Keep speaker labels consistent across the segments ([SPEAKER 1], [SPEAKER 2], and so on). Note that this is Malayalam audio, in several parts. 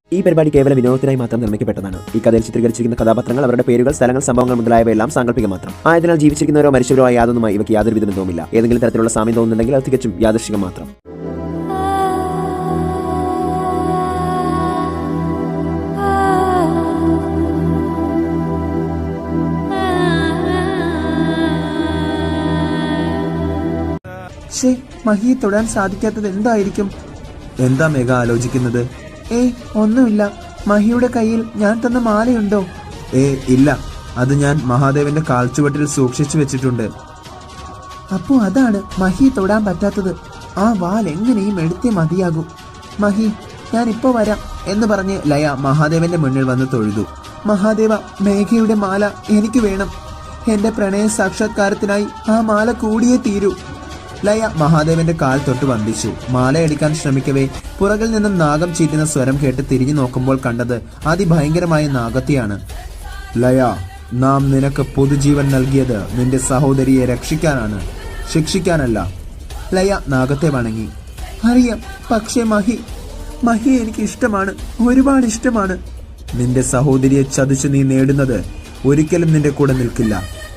[SPEAKER 1] ഈ പരിപാടി കേവല വിനോദത്തിനായി മാത്രം നിർമ്മിക്കപ്പെട്ടതാണ്. ഈ കഥയിൽ ചിത്രീകരിച്ചിരിക്കുന്ന കഥാപാത്രങ്ങൾ, അവരുടെ പേരുകൾ, സ്ഥലങ്ങൾ, സംഭവങ്ങൾ മുതലായവയെല്ലാം സാങ്കല്പിക മാത്രം ആയതിനാൽ ജീവിച്ചിരിക്കുന്നവരോ മരിച്ചവരോ ആയ യാതൊന്നുമായി ഇവയ്ക്ക് യാതൊരു വിധ ബന്ധവുമില്ല. ഏതെങ്കിലും തരത്തിലുള്ള സാമ്യം തോന്നുന്നുണ്ടെങ്കിൽ അത് തികച്ചും യാദൃശ്ചികം മാത്രം.
[SPEAKER 2] മഹിയെ തൊടാൻ സാധിക്കാത്തത് എന്തായിരിക്കും?
[SPEAKER 3] എന്താ മേഘ ആലോചിക്കുന്നത്?
[SPEAKER 2] ഒന്നുമില്ല. മഹിയുടെ കയ്യിൽ ഞാൻ തന്ന മാലയുണ്ടോ?
[SPEAKER 3] ഇല്ല, അത് ഞാൻ മഹാദേവന്റെ കാൽച്ചുവട്ടിൽ സൂക്ഷിച്ചു വെച്ചിട്ടുണ്ട്.
[SPEAKER 2] അപ്പോ അതാണ് മഹിയെ തൊടാൻ പറ്റാത്തത്. ആ വാൽ എങ്ങനെയും എടുത്തേ മതിയാകൂ. മഹി, ഞാൻ ഇപ്പോ വരാം എന്ന് പറഞ്ഞ് ലയ മഹാദേവന്റെ മുന്നിൽ വന്ന് തൊഴുതു. മഹാദേവ, മേഘയുടെ മാല എനിക്ക് വേണം. എന്റെ പ്രണയ സാക്ഷാത്കാരത്തിനായി ആ മാല കൂടിയേ തീരൂ. ലയ മഹാദേവന്റെ കാൽ തൊട്ട് വന്ദിച്ചു. മാലയടിക്കാൻ ശ്രമിക്കവേ പുറകിൽ നിന്നും നാഗം ചീറ്റുന്ന സ്വരം കേട്ട് തിരിഞ്ഞു നോക്കുമ്പോൾ കണ്ടത് അതിഭയങ്കരമായ നാഗത്തെയാണ്.
[SPEAKER 3] ലയ, നാം നിനക്ക് പൊതുജീവൻ നൽകിയത് നിന്റെ സഹോദരിയെ രക്ഷിക്കാനാണ്, ശിക്ഷിക്കാനല്ല.
[SPEAKER 2] ലയ നാഗത്തെ വണങ്ങി. അറിയാം, പക്ഷേ മഹി എനിക്ക് ഇഷ്ടമാണ്, ഒരുപാട് ഇഷ്ടമാണ്.
[SPEAKER 3] നിന്റെ സഹോദരിയെ ചതിച്ചു നീ നേടുന്നത് ഒരിക്കലും നിന്റെ കൂടെ നിൽക്കില്ല.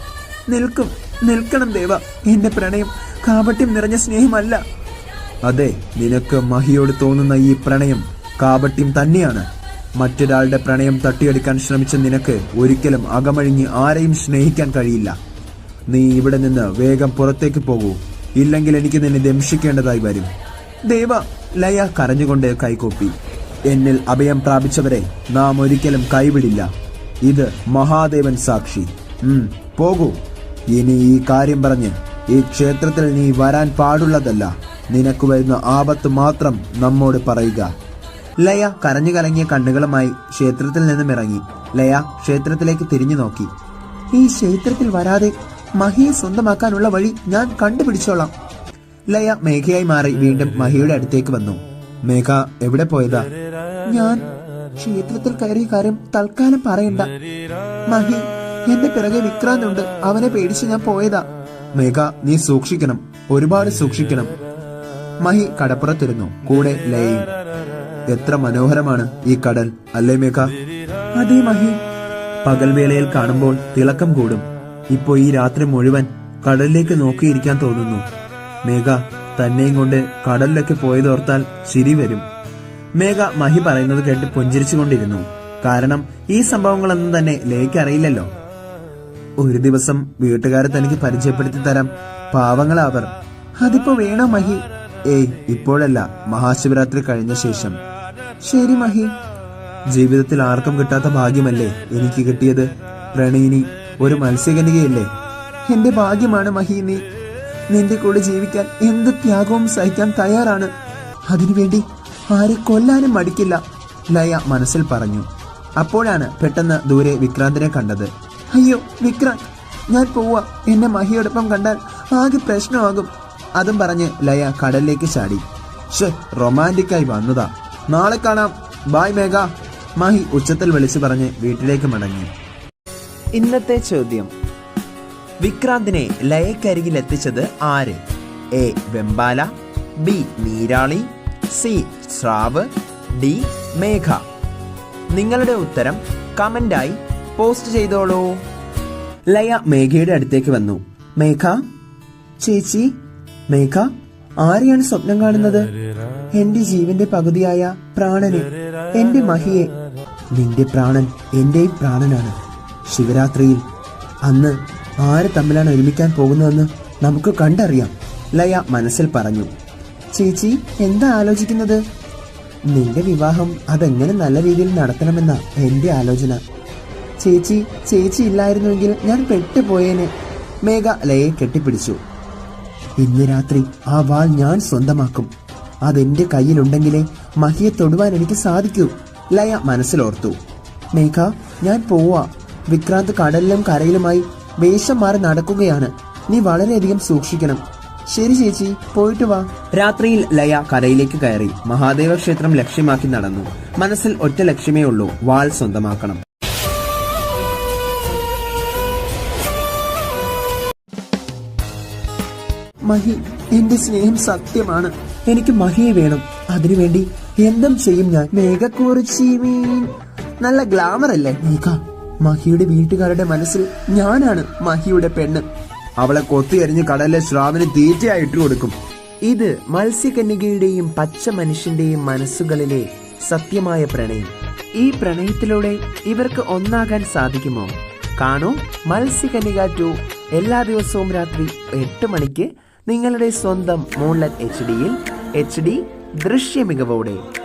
[SPEAKER 2] നിൽക്കണം ദേവ. എന്റെ പ്രണയം കാപട്യം നിറഞ്ഞ സ്നേഹമല്ല.
[SPEAKER 3] അതെ, നിനക്ക് മഹിയോട് തോന്നുന്ന ഈ പ്രണയം കാപട്യം തന്നെയാണ്. മറ്റൊരാളുടെ പ്രണയം തട്ടിയെടുക്കാൻ ശ്രമിച്ച നിനക്ക് ഒരിക്കലും അകമഴിഞ്ഞ് ആരെയും സ്നേഹിക്കാൻ കഴിയില്ല. നീ ഇവിടെ നിന്ന് വേഗം പുറത്തേക്ക് പോകൂ, ഇല്ലെങ്കിൽ എനിക്ക് നിന്നെ ദംശിക്കേണ്ടതായി വരും.
[SPEAKER 2] ദേവ,
[SPEAKER 3] ലയ കരഞ്ഞുകൊണ്ട് കൈകൊപ്പി. എന്നിൽ അഭയം പ്രാപിച്ചവരെ നാം ഒരിക്കലും കൈവിടില്ല. ഇത് മഹാദേവൻ സാക്ഷി. പോകൂ. ഇനി ഈ കാര്യം പറഞ്ഞ് ഈ ക്ഷേത്രത്തിൽ നീ വരാൻ പാടുള്ളതല്ല. നിനക്ക് വരുന്ന ആപത്ത് മാത്രം നമ്മോട് പറയുക.
[SPEAKER 2] ലയ കരഞ്ഞു കലങ്ങിയ കണ്ണുകളുമായി ക്ഷേത്രത്തിൽ നിന്നും ഇറങ്ങി. ലയ ക്ഷേത്രത്തിലേക്ക് തിരിഞ്ഞു നോക്കി. ഈ ക്ഷേത്രത്തിൽ വരാതെ മഹിയെ സ്വന്തമാക്കാനുള്ള വഴി ഞാൻ കണ്ടുപിടിച്ചോളാം. ലയ മേഘയായി മാറി വീണ്ടും മഹിയുടെ അടുത്തേക്ക് വന്നു.
[SPEAKER 3] മേഘ, എവിടെ പോയതാ?
[SPEAKER 2] ഞാൻ ക്ഷേത്രത്തിൽ കയറിയ കാര്യം തൽക്കാലം പറയണ്ട. മഹി, എന്റെ പിറകെ വിക്രാന്തുണ്ട്. അവനെ പേടിച്ച് ഞാൻ പോയതാ.
[SPEAKER 3] മേഘ, നീ സൂക്ഷിക്കണം, ഒരുപാട് സൂക്ഷിക്കണം.
[SPEAKER 2] മഹി കടപ്പുറത്തിരുന്നു, കൂടെ ലയയും.
[SPEAKER 3] എത്ര മനോഹരമാണ് ഈ കടൽ, അല്ലേ മേഘ?
[SPEAKER 2] അതേ മഹി.
[SPEAKER 3] പകൽവേളയിൽ കാണുമ്പോൾ തിളക്കം കൂടും. ഇപ്പോ ഈ രാത്രി മുഴുവൻ കടലിലേക്ക് നോക്കിയിരിക്കാൻ തോന്നുന്നു. മേഘ, തന്നെയും കൊണ്ട് കടലിലൊക്കെ പോയതോർത്താൽ ചിരി വരും.
[SPEAKER 2] മേഘ മഹി പറയുന്നത് കേട്ട് പുഞ്ചിരിച്ചുകൊണ്ടിരുന്നു. കാരണം ഈ സംഭവങ്ങളൊന്നും തന്നെ ലയയ്ക്ക് അറിയില്ലല്ലോ.
[SPEAKER 3] ഒരു ദിവസം വീട്ടുകാരെ തനിക്ക് പരിചയപ്പെടുത്തി തരാം, പാവങ്ങളാവർ.
[SPEAKER 2] അതിപ്പോ വേണോ മഹി?
[SPEAKER 3] ഇപ്പോഴല്ല, മഹാശിവരാത്രി കഴിഞ്ഞ ശേഷം.
[SPEAKER 2] ശരി മഹി.
[SPEAKER 3] ജീവിതത്തിൽ ആർക്കും കിട്ടാത്ത ഭാഗ്യമല്ലേ എനിക്ക് കിട്ടിയത്. പ്രണയിനി, ഒരു മത്സ്യകന്യകയല്ലേ.
[SPEAKER 2] എന്റെ ഭാഗ്യമാണ് മഹി നീ. നിന്റെ കൂടെ ജീവിക്കാൻ എന്ത് ത്യാഗവും സഹിക്കാൻ തയ്യാറാണ്. അതിനുവേണ്ടി ആരെ കൊല്ലാനും മടിക്കില്ല, ലയ മനസ്സിൽ പറഞ്ഞു. അപ്പോഴാണ് പെട്ടെന്ന് ദൂരെ വിക്രാന്തിനെ കണ്ടത്. അയ്യോ വിക്രാന്ത്, ഞാൻ പോവാ. എന്നെ മഹിയോടൊപ്പം കണ്ടാൽ ആകെ പ്രശ്നമാകും. അതും പറഞ്ഞ് ലയ കടലിലേക്ക് ചാടി.
[SPEAKER 3] റൊമാൻറ്റിക്കായി വന്നതാ. നാളെ കാണാം, ബൈ മേഘ.
[SPEAKER 2] മഹി ഉച്ചത്തിൽ വിളിച്ചു പറഞ്ഞ് വീട്ടിലേക്ക് മടങ്ങി. ഇന്നത്തെ ചോദ്യം: വിക്രാന്തിനെ ലയക്കരികിൽ എത്തിച്ചത് ആര്? എ വെമ്പാല, ബി നീരാളി, സി സ്രാവ്, ഡി മേഘ. നിങ്ങളുടെ ഉത്തരം കമന്റായി പോസ്റ്റ് ചെയ്തോളൂ. ലയ മേഘയുടെ അടുത്തേക്ക് വന്നു. മേഘ ചേച്ചി. മേഘ, ആരെയാണ് സ്വപ്നം കാണുന്നത്? എന്റെ ജീവന്റെ പകുതിയായ പ്രാണനെ, എന്റെ മഹിയെ. നിന്റെ പ്രാണൻ എന്റെയും പ്രാണനാണ്. ശിവരാത്രിയിൽ അന്ന് ആര് തമ്മിലാണ് ഒരുമിക്കാൻ പോകുന്നതെന്ന് നമുക്ക് കണ്ടറിയാം, ലയ മനസ്സിൽ പറഞ്ഞു. ചേച്ചി എന്താ ആലോചിക്കുന്നത്? നിന്റെ വിവാഹം അതെങ്ങനെ നല്ല രീതിയിൽ നടത്തണമെന്ന എന്റെ ആലോചന. ചേച്ചി ഇല്ലായിരുന്നുവെങ്കിൽ ഞാൻ പെട്ടുപോയേനെ. മേഘ ലയെ കെട്ടിപ്പിടിച്ചു. ഇന്ന് രാത്രി ആ വാൾ ഞാൻ സ്വന്തമാക്കും. അതെന്റെ കയ്യിലുണ്ടെങ്കിലേ മഹിയെ തൊടുവാൻ എനിക്ക് സാധിക്കൂ, ലയ മനസ്സിലോർത്തു. മേഘ, ഞാൻ പോവാ. വിക്രാന്ത് കടലിലും കരയിലുമായി വേഷം മാറി നടക്കുകയാണ്. നീ വളരെയധികം സൂക്ഷിക്കണം. ശരി ചേച്ചി, പോയിട്ട് വാ. രാത്രിയിൽ ലയ കരയിലേക്ക് കയറി മഹാദേവ ക്ഷേത്രം ലക്ഷ്യമാക്കി നടന്നു. മനസ്സിൽ ഒറ്റ ലക്ഷ്യമേ ഉള്ളൂ, വാൾ സ്വന്തമാക്കണം. മഹി, എന്റെ സ്നേഹം സത്യമാണ്. എനിക്ക് മഹിയെ വേണം. അതിനുവേണ്ടി
[SPEAKER 3] എന്തും ചെയ്യും ഞാൻ.
[SPEAKER 2] മേഘക്കുറിച്ചി മീൻ നല്ല ഗ്ലാമർ അല്ലേ?
[SPEAKER 3] മേഘ, മഹിയുടെ വീട്ടുകാരുടെ മനസ്സിൽ ഞാനാണ് മഹിയുടെ പെണ്ണ്. അവളെ കൊത്തിയെറിഞ്ഞ് കടലിലെ ശ്രാവിന് തീറ്റയായിട്ട് കൊടുക്കും.
[SPEAKER 2] ഇത് മത്സ്യകന്യകയുടെയും പച്ച മനുഷ്യന്റെയും മനസ്സുകളിലെ സത്യമായ പ്രണയം. ഈ പ്രണയത്തിലൂടെ ഇവർക്ക് ഒന്നാകാൻ സാധിക്കുമോ? കാണൂ മത്സ്യകന്യക 2 എല്ലാ ദിവസവും രാത്രി 8 മണിക്ക് നിങ്ങളുടെ സ്വന്തം മൂൺലൈറ്റ് HD-യിൽ HD ദൃശ്യ മികവോടെ.